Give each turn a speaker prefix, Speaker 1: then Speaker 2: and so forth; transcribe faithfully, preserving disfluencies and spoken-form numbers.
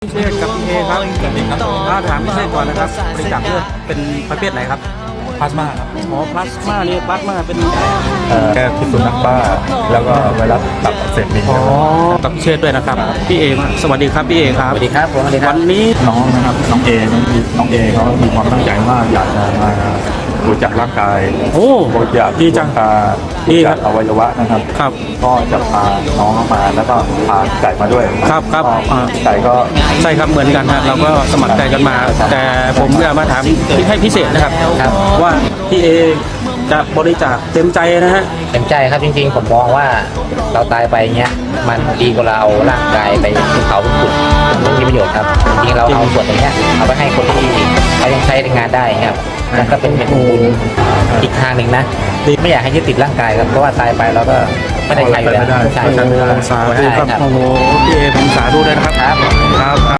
Speaker 1: พิเชษกับพี่เอครับถ้าถามพิเชษก่อนนะครับบริจาคเลือดเป็นประเภทไหนครับ
Speaker 2: พลาสมาครับ
Speaker 1: อ๋อพลาสมานี่พลาสมาเป็น
Speaker 2: แก้พิษสุนัขบ้าแล้วก็ไวรัสตับอักเสบบิน
Speaker 1: อ๋อกับพิเชษด้วยนะครับพี่เอสวัสดีครับพี่เอครับ
Speaker 3: สวัสดีครับผมสวัสดีครับ
Speaker 1: วันนี้
Speaker 2: น้องนะครับน้องเอน้องน้องเอเขามีความตั้งใจมากอยากจะมาบริจาคร่างกาย
Speaker 1: โอ้
Speaker 2: บริจาค
Speaker 1: ดีจัง
Speaker 2: ตา
Speaker 1: ดี
Speaker 2: บริ
Speaker 1: ครั
Speaker 2: จา
Speaker 1: บ
Speaker 2: คอวัยวะนะครับ
Speaker 1: ครับ
Speaker 2: ก็จะพาน้องเข้ามาแล้วก็พาไก่มาด้วย
Speaker 1: ครับครับ
Speaker 2: ก็
Speaker 1: อ่า
Speaker 2: ไก่ก็
Speaker 1: ใช่ครับเหมือนกันฮะเราก็สมัครใจกันมา แต่ผมจะมาถามให้พิเศษนะครับ
Speaker 3: ครับ
Speaker 1: ว่าพี่เอจะบริจาคเต็มใจนะฮะ
Speaker 3: เต็มใจครับจริงๆผมมองว่าเราตายไปเงี้ยมันดีกว่าเราเอาร่างกายไปเผาเป็นฝุ่นมันมีประโยชน์ครับจริงๆเราเอาส่วนตรงเนี้ยเอาไปให้คนที่เขายังใช้ในงานได้ครับนั่นก็เป็นเป็นบุญอีกทางหนึ่งนะไม่อยากให้ยึดติดร่างกายครับเพราะว่าตายไปเราก็ไม่ได้ใช้อยู่แล้วใช่
Speaker 1: โอ้
Speaker 3: ครับ
Speaker 1: สาธุครับโอ้โหพี่เอผมสาธุเลยนะครับ
Speaker 3: ครับ
Speaker 1: ครับ